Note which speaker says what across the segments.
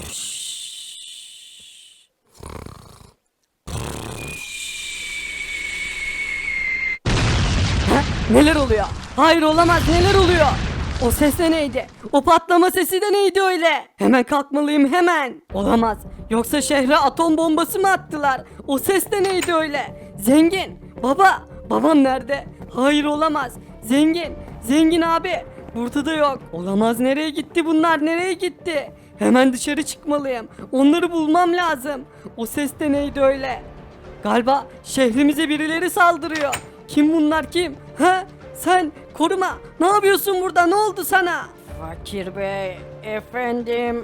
Speaker 1: Neler oluyor? Hayır olamaz, neler oluyor? O ses de neydi? O patlama sesi de neydi öyle? Hemen kalkmalıyım hemen. Olamaz. Yoksa şehre atom bombası mı attılar? O ses de neydi öyle? Zengin. Baba. Babam nerede? Hayır olamaz. Zengin. Zengin abi. Burada da yok. Olamaz, nereye gitti bunlar? Nereye gitti? Hemen dışarı çıkmalıyım. Onları bulmam lazım. O ses de neydi öyle? Galiba şehrimize birileri saldırıyor. Kim bunlar, kim? Ha? Sen koruma. Ne yapıyorsun burada? Ne oldu sana?
Speaker 2: Fakir Bey, efendim,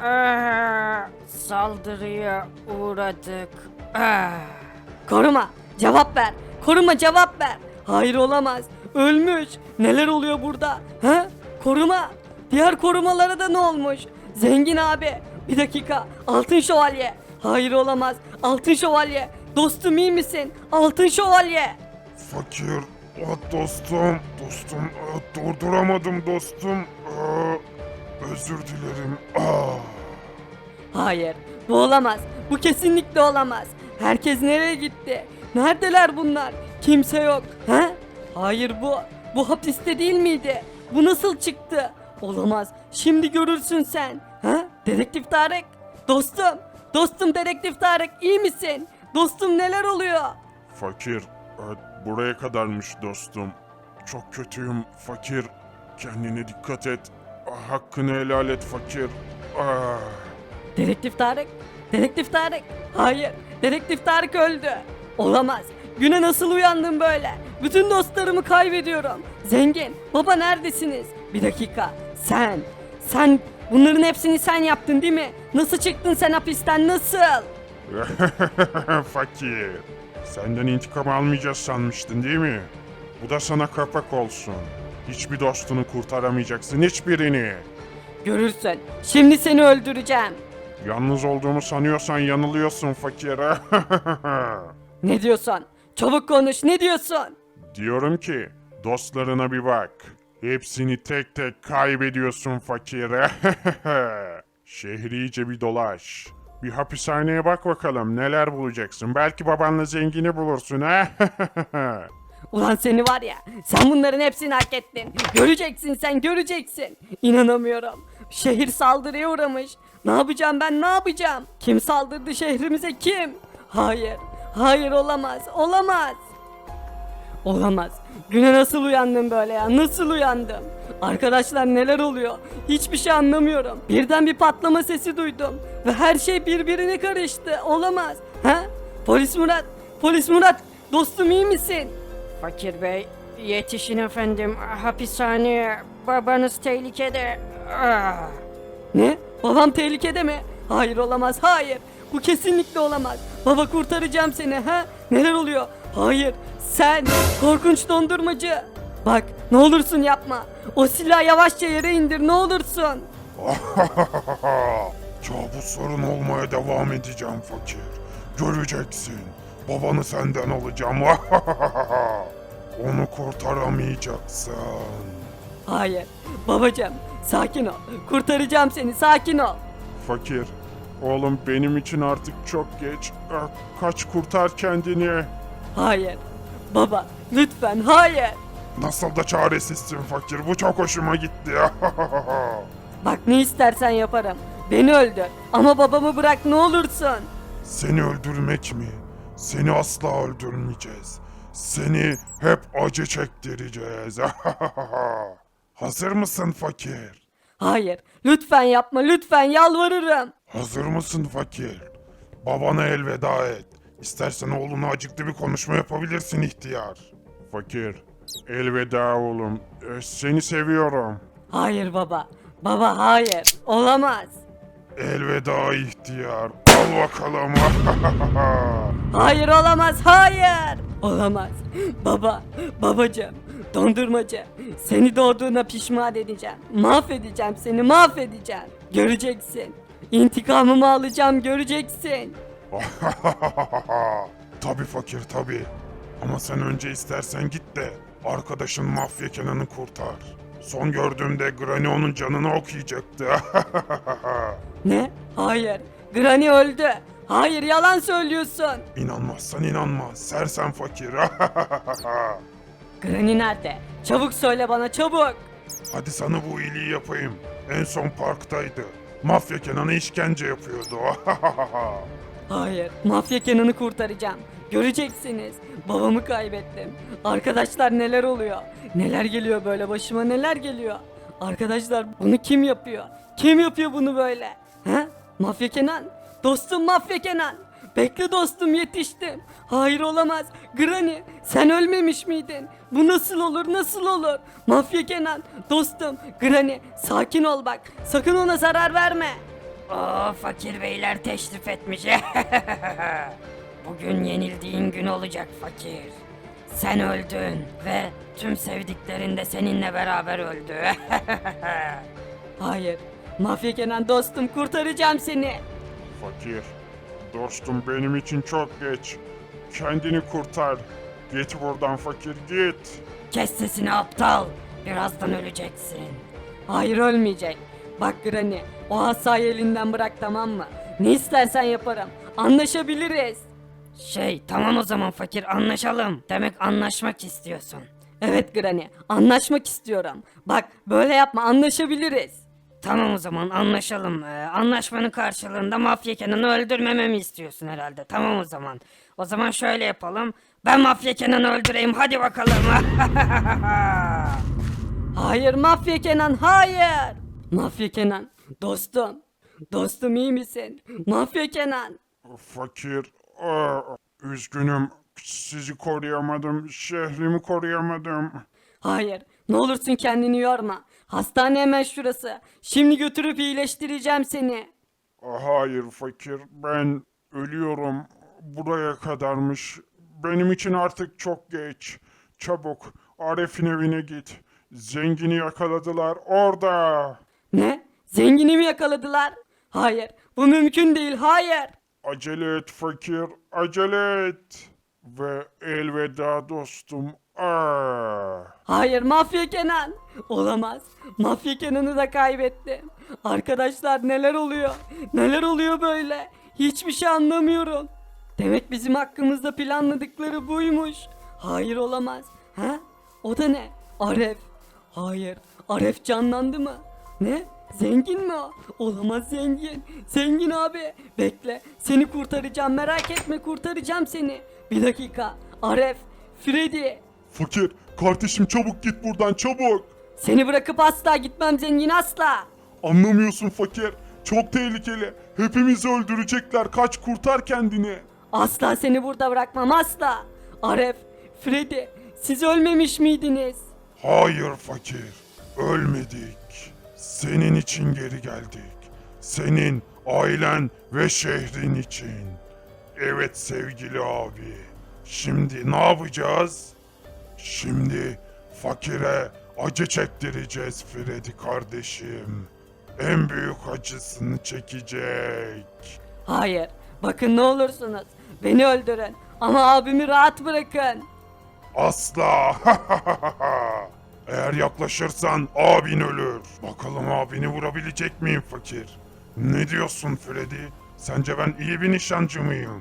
Speaker 2: saldırıya uğradık.
Speaker 1: Koruma. Cevap ver. Koruma, cevap ver. Hayır olamaz. Ölmüş. Neler oluyor burada? Ha? Koruma. Diğer korumalara da ne olmuş? Zengin abi. Bir dakika. Altın şövalye. Hayır olamaz. Altın şövalye. Dostum iyi misin? Altın şövalye.
Speaker 3: Fakir, dostum, durduramadım dostum. Özür dilerim.
Speaker 1: Hayır, bu olamaz. Bu kesinlikle olamaz. Herkes nereye gitti? Neredeler bunlar? Kimse yok. Ha? Hayır, bu hapiste değil miydi? Bu nasıl çıktı? Olamaz. Şimdi görürsün sen. Ha? Dedektif Tarık. Dostum. Dostum Dedektif Tarık, iyi misin? Dostum, neler oluyor?
Speaker 3: Fakir, buraya kadarmış dostum. Çok kötüyüm fakir. Kendine dikkat et. Hakkını helal et fakir.
Speaker 1: Dedektif Tarık. Dedektif Tarık. Hayır. Dedektif Tarık öldü. Olamaz. Güne nasıl uyandım böyle? Bütün dostlarımı kaybediyorum. Zengin. Baba neredesiniz? Bir dakika. Sen bunların hepsini sen yaptın değil mi? Nasıl çıktın sen hapisten, nasıl?
Speaker 3: Fakir, senden intikam almayacağız sanmıştın değil mi? Bu da sana kapak olsun. Hiçbir dostunu kurtaramayacaksın, hiçbirini.
Speaker 1: Görürsün. Şimdi seni öldüreceğim.
Speaker 3: Yalnız olduğumu sanıyorsan yanılıyorsun fakir.
Speaker 1: Ne diyorsun? Çabuk konuş, ne diyorsun?
Speaker 3: Diyorum ki dostlarına bir bak. Hepsini tek tek kaybediyorsun fakir. Şehri iyice bir dolaş. Bir hapishaneye bak bakalım neler bulacaksın. Belki babanla zengini bulursun ha.
Speaker 1: Ulan seni var ya, sen bunların hepsini hak ettin. Göreceksin, sen göreceksin. İnanamıyorum. Şehir saldırıya uğramış. Ne yapacağım ben, ne yapacağım? Kim saldırdı şehrimize, kim? Hayır, hayır olamaz, olamaz. Olamaz. Güne nasıl uyandım böyle ya, nasıl uyandım? Arkadaşlar neler oluyor? Hiçbir şey anlamıyorum. Birden bir patlama sesi duydum. Ve her şey birbirine karıştı. Olamaz. Ha? Polis Murat, Polis Murat. Dostum iyi misin?
Speaker 2: Fakir Bey, yetişin efendim, hapishaneye, babanız tehlikede.
Speaker 1: Ne? Babam tehlikede mi? Hayır olamaz, hayır. Bu kesinlikle olamaz. Baba kurtaracağım seni ha? Neler oluyor? Hayır, sen korkunç dondurmacı. Bak, ne olursun yapma. O silahı yavaşça yere indir, ne olursun.
Speaker 3: Kabusların olmaya devam edeceğim fakir. Göreceksin. Babanı senden alacağım. Onu kurtaramayacaksın.
Speaker 1: Hayır, babacığım, sakin ol. Kurtaracağım seni, sakin ol.
Speaker 3: Fakir, oğlum benim için artık çok geç. Kaç kurtar kendini.
Speaker 1: Hayır, baba, lütfen, hayır.
Speaker 3: Nasıl da çaresizsin fakir. Bu çok hoşuma gitti.
Speaker 1: Bak ne istersen yaparım. Beni öldür ama babamı bırak ne olursun.
Speaker 3: Seni öldürmek mi? Seni asla öldürmeyeceğiz. Seni hep acı çektireceğiz. Hazır mısın fakir?
Speaker 1: Hayır, lütfen yapma, lütfen yalvarırım.
Speaker 3: Hazır mısın fakir? Babana elveda et. İstersen oğluna acıklı bir konuşma yapabilirsin ihtiyar. Fakir, elveda oğlum. Seni seviyorum.
Speaker 1: Hayır baba, baba hayır, olamaz.
Speaker 3: Elveda ihtiyar. Al bakalım.
Speaker 1: Hayır olamaz, hayır. Olamaz. Baba, babacığım, dondurmacı. Seni doğduğuna pişman edeceğim. Mahvedeceğim seni, mahvedeceğim. Göreceksin. İntikamımı alacağım, göreceksin.
Speaker 3: Tabi fakir tabi. Ama sen önce istersen git de arkadaşın Mafya Kenan'ı kurtar. Son gördüğümde Granny onun canını okuyacaktı.
Speaker 1: Ne? Hayır. Hayır. Granny öldü. Hayır, yalan söylüyorsun.
Speaker 3: İnanmazsan inanma. Sersem fakir.
Speaker 1: Granny nerede? Çabuk söyle bana, çabuk.
Speaker 3: Hadi sana bu iyiliği yapayım. En son parktaydı. Mafya Kenan'a işkence yapıyordu.
Speaker 1: Hayır, mafya Kenan'ı kurtaracağım. Göreceksiniz. Babamı kaybettim. Arkadaşlar neler oluyor? Neler geliyor böyle başıma, neler geliyor? Arkadaşlar bunu kim yapıyor? Kim yapıyor bunu böyle? He? Mafya Kenan? Dostum Mafya Kenan. Bekle dostum, yetiştim. Hayır, olamaz. Granny, sen ölmemiş miydin? Bu nasıl olur, nasıl olur? Mafya Kenan, dostum. Granny, sakin ol bak. Sakın ona zarar verme.
Speaker 2: Oo, fakir beyler teşrif etmiş. Bugün yenildiğin gün olacak fakir. Sen öldün ve tüm sevdiklerin de seninle beraber öldü.
Speaker 1: Hayır. Mafya Kenan dostum, kurtaracağım seni.
Speaker 3: Fakir. Dostum benim için çok geç. Kendini kurtar. Git buradan fakir git.
Speaker 2: Kes sesini aptal. Birazdan öleceksin.
Speaker 1: Hayır, ölmeyecek. Bak Granny, o asayı elinden bırak, tamam mı? Ne istersen yaparım. Anlaşabiliriz.
Speaker 2: Tamam o zaman fakir, anlaşalım. Demek anlaşmak istiyorsun.
Speaker 1: Evet Granny, anlaşmak istiyorum. Bak böyle yapma, anlaşabiliriz.
Speaker 2: Tamam o zaman anlaşalım. Anlaşmanın karşılığında Mafya Kenan'ı öldürmememi istiyorsun herhalde. Tamam o zaman. O zaman şöyle yapalım. Ben Mafya Kenan'ı öldüreyim, hadi bakalım.
Speaker 1: Hayır Mafya Kenan, hayır. Mafya Kenan, dostum. Dostum, iyi misin? Mafya Kenan.
Speaker 3: Fakir. Üzgünüm. Sizi koruyamadım. Şehrimi koruyamadım.
Speaker 1: Hayır, ne olursun kendini yorma. Hastane hemen şurası. Şimdi götürüp iyileştireceğim seni.
Speaker 3: Hayır fakir. Ben ölüyorum. Buraya kadarmış. Benim için artık çok geç. Çabuk. Arif'in evine git. Zengini yakaladılar orada.
Speaker 1: Ne? Zengini mi yakaladılar? Hayır, bu mümkün değil, hayır.
Speaker 3: Acele et fakir. Acele et. Ve elveda dostum.
Speaker 1: Hayır Mafya Kenan. Olamaz. Mafya Kenan'ı da kaybettim. Arkadaşlar neler oluyor? Neler oluyor böyle? Hiçbir şey anlamıyorum. Demek bizim hakkımızda planladıkları buymuş. Hayır, olamaz. Ha? O da ne? Aref. Hayır. Aref canlandı mı? Ne? Zengin mi o? Olamaz, zengin. Zengin abi. Bekle. Seni kurtaracağım. Merak etme, kurtaracağım seni. Bir dakika. Aref. Freddy.
Speaker 3: Fakir, kardeşim çabuk git buradan çabuk.
Speaker 1: Seni bırakıp asla gitmem zengin, asla.
Speaker 3: Anlamıyorsun fakir. Çok tehlikeli. Hepimizi öldürecekler. Kaç, kurtar kendini.
Speaker 1: Asla seni burada bırakmam, asla. Aref, Freddy, siz ölmemiş miydiniz?
Speaker 3: Hayır fakir. Ölmedik. Senin için geri geldik. Senin, ailen ve şehrin için. Evet sevgili abi. Şimdi ne yapacağız? Şimdi fakire acı çektireceğiz Freddy kardeşim. En büyük acısını çekecek.
Speaker 1: Hayır, bakın ne olursunuz. Beni öldürün ama abimi rahat bırakın.
Speaker 3: Asla. Eğer yaklaşırsan abin ölür. Bakalım abini vurabilecek miyim fakir? Ne diyorsun Freddy? Sence ben iyi bir nişancı mıyım?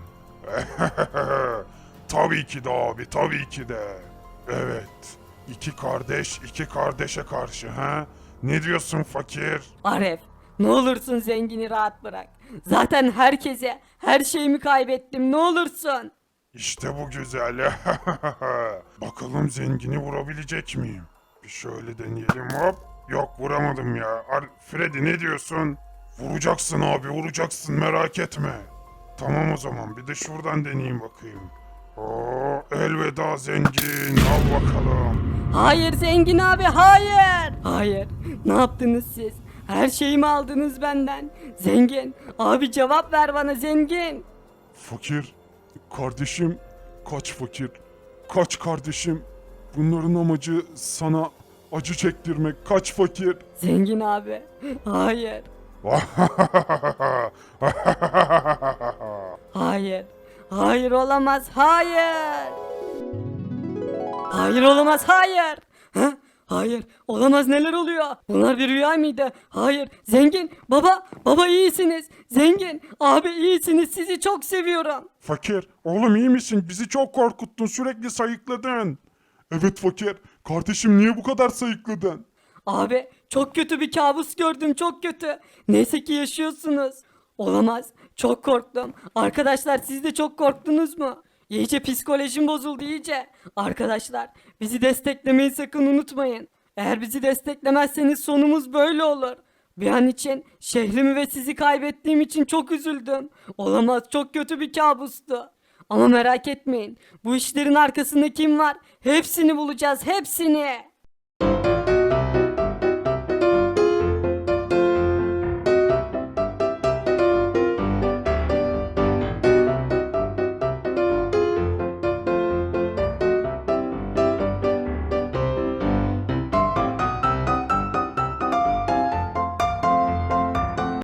Speaker 3: Tabii ki de abi, tabii ki de. Evet. İki kardeş, iki kardeşe karşı ha? Ne diyorsun fakir?
Speaker 1: Aref, ne olursun zengini rahat bırak. Zaten herkese, her şeyimi kaybettim, ne olursun.
Speaker 3: İşte bu güzel. Bakalım zengini vurabilecek miyim? Bir şöyle deneyelim hop. Yok vuramadım ya. Freddy ne diyorsun? Vuracaksın abi vuracaksın merak etme. Tamam o zaman bir de şuradan deneyeyim bakayım. Oo, elveda zengin al bakalım.
Speaker 1: Hayır zengin abi, hayır. Hayır, ne yaptınız siz? Her şeyimi aldınız benden. Zengin, abi cevap ver bana zengin.
Speaker 3: Fakir, kardeşim, kaç fakir, kaç kardeşim. Bunların amacı sana acı çektirmek, kaç fakir.
Speaker 1: Zengin abi, hayır. Hayır. Hayır olamaz. Hayır. Hayır olamaz. Hayır. Ha? Hayır, olamaz, neler oluyor? Bunlar bir rüya mıydı? Hayır, zengin, baba iyisiniz. Zengin, abi iyisiniz, sizi çok seviyorum.
Speaker 3: Fakir, oğlum iyi misin? Bizi çok korkuttun, sürekli sayıkladın. Evet fakir, kardeşim niye bu kadar sayıkladın?
Speaker 1: Abi çok kötü bir kabus gördüm, çok kötü. Neyse ki yaşıyorsunuz. Olamaz, çok korktum. Arkadaşlar siz de çok korktunuz mu? İyice psikolojim bozuldu iyice. Arkadaşlar bizi desteklemeyi sakın unutmayın. Eğer bizi desteklemezseniz sonumuz böyle olur. Bir an için şehrimi ve sizi kaybettiğim için çok üzüldüm. Olamaz, çok kötü bir kabustu. Ama merak etmeyin. Bu işlerin arkasında kim var? Hepsini bulacağız, hepsini.